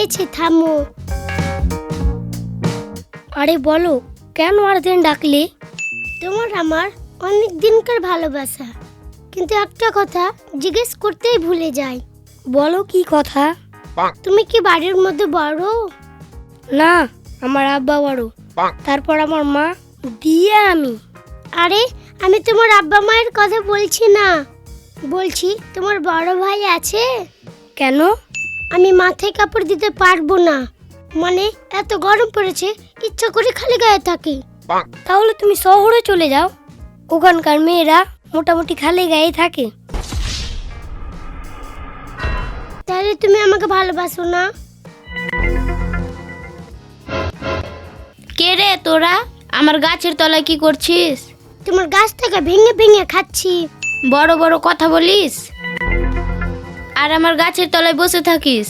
পেয়েছি, থামো। আরে বলো, কেন আর্জেন্ট ডাকলে? তোমার আমার অনেক দিনকার ভালোবাসা, কিন্তু একটা কথা জিজ্ঞেস করতেই ভুলে যাই। বলো কি কথা? তুমি কি বাড়ির মধ্যে বড়? না, আমার আব্বা বড়, তারপর আমার মা, দিয়ে আমি। আরে আমি তোমার আব্বা মায়ের কথা বলছি না, বলছি তোমার বড় ভাই আছে? কেন? আমি মাথায় কাপড় দিতে পারবো না, মানে এত গরম পড়েছে, ইচ্ছা করে খালি গায়ে থাকি। তাহলে তুমি শহরে চলে যাও, ওখানকার মেয়েরা মোটামুটি খালি গায়ে থাকে। তাহলে তুমি আমাকে ভালোবাসো না? কে রে তোরা? আমার গাছের তলায় কি করছিস? তোমার গাছ থেকে ভেঙে ভেঙে খাচ্ছি। বড় বড় কথা বলিস আর আমার গাছের তলায় বসে থাকিস।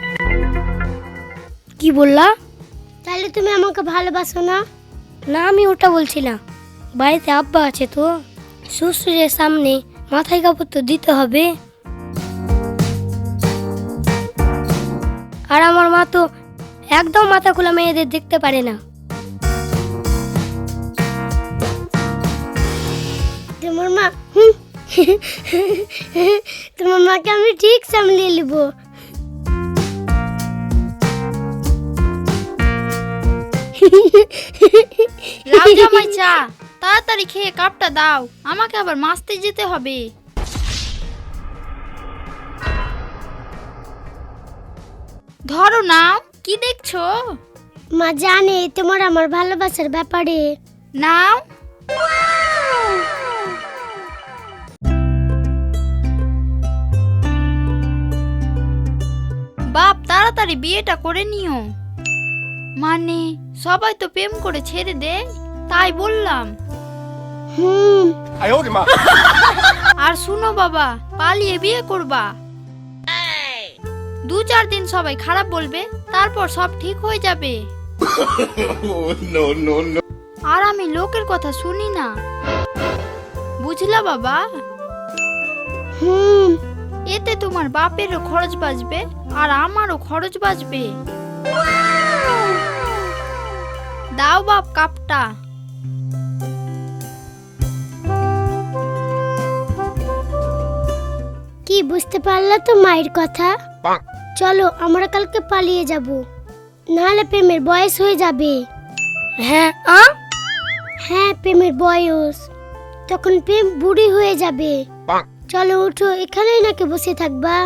কি বললা? তাহলে তুমি আমাকে ভালোবাসো না? না, আমি ওটা বলছি না। বাড়িতে আব্বা আছে তো, শ্বশুরের সামনে মাথায় কাপড় তো দিতে হবে। আর আমার মা তো একদম মাথা খোলা মেয়েদের দেখতে পারে না। তোমার মা তোমার মাকে আমি ঠিক সামলিয়ে নিব। লাউ জামাই চা, তাড়াতাড়ি খেয়ে কাপটা দাও, আমাকে আবার মাছতে যেতে হবে। ধরো নাও, কি দেখছো? মা জানে তোমার আমার ভালোবাসার ব্যাপারে। নাও। বাপ তাড়াতাড়ি বিয়েটা করে নিও। মানে সবাই তো প্রেম করে ছেড়ে দেয়, তাই বললাম। আর শুনো বাবা, পালিয়ে বিয়ে করবা। 2-4 দিন সবাই খারাপ বলবে, তারপর সব ঠিক হয়ে যাবে। আর আমি লোকের কথা শুনি না, বুঝলা বাবা? এতে তোমার বাপেরও খরচ বাঁচবে আর আমারও খরচ বাঁচবে। দাও বাপ কাপটা। কি বুঝতে পারলা তো মায়ের কথা? চলো আমরা কালকে পালিয়ে যাব, নাহলে প্রেমের বয়স হয়ে যাবে। হ্যাঁ হ্যাঁ, প্রেমের বয়স, তখন প্রেম বুড়ি হয়ে যাবে। চলো উঠো, এখানেই নাকি বসে থাকবা?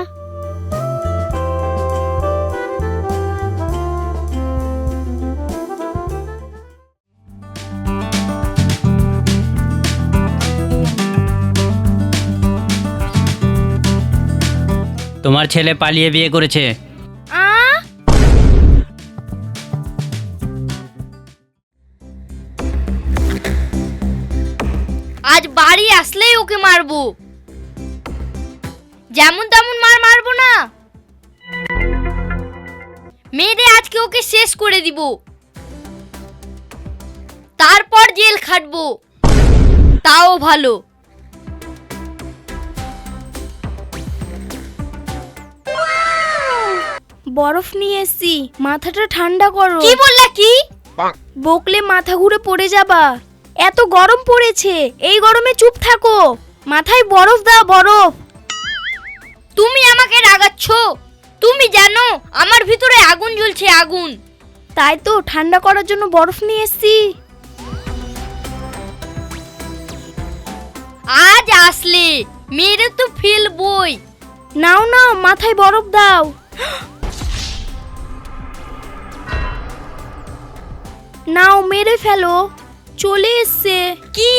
তোমার ছেলে পালিয়ে বিয়ে করেছে। আজ বাড়ি আসলেই ওকে মারবো, যেমন তেমন মারবো না, মেরে আজকে ওকে শেষ করে দিব, তারপর জেল খাটবো, তাও ভালো। বরফ নিয়ে এসছি, মাথাটা ঠান্ডা করো। কি বললা? কি বকলে মাথা ঘুরে পড়ে যাবা। এত গরম পড়েছে, এই গরমে চুপ থাকো। মাথায় বরফ দাও, বরফ। তুমি আমাকে রাগাচ্ছ? তুমি জানো আমার ভিতরে আগুন জ্বলছে, আগুন। তাই তো ঠান্ডা করার জন্য বরফ নিয়ে এসছি। আজ আসলে মেরে তো ফেলবই। নাও নাও, মাথায় বরফ দাও। নাও, মেরে ফেলো, চলে এসছে। কি?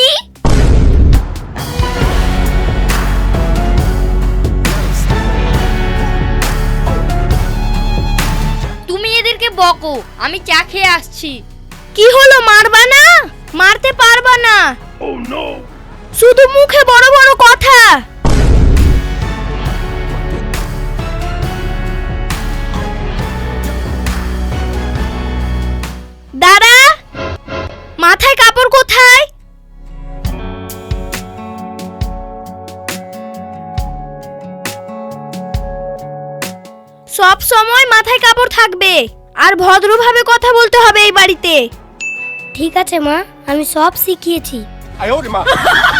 তুমি এদেরকে বকো, আমি চা খেয়ে আসছি। কি হলো, মারবা না? মারতে পারবা না। শুধু মুখে বড় বড় কথা। দাঁড়া, মাথায় কাপড় কোথায়? সব সময় মাথায় কাপড় থাকবে আর ভদ্রভাবে কথা বলতে হবে এই বাড়িতে। ঠিক আছে মা, আমি সব শিখিয়েছি। 哎呦我的妈！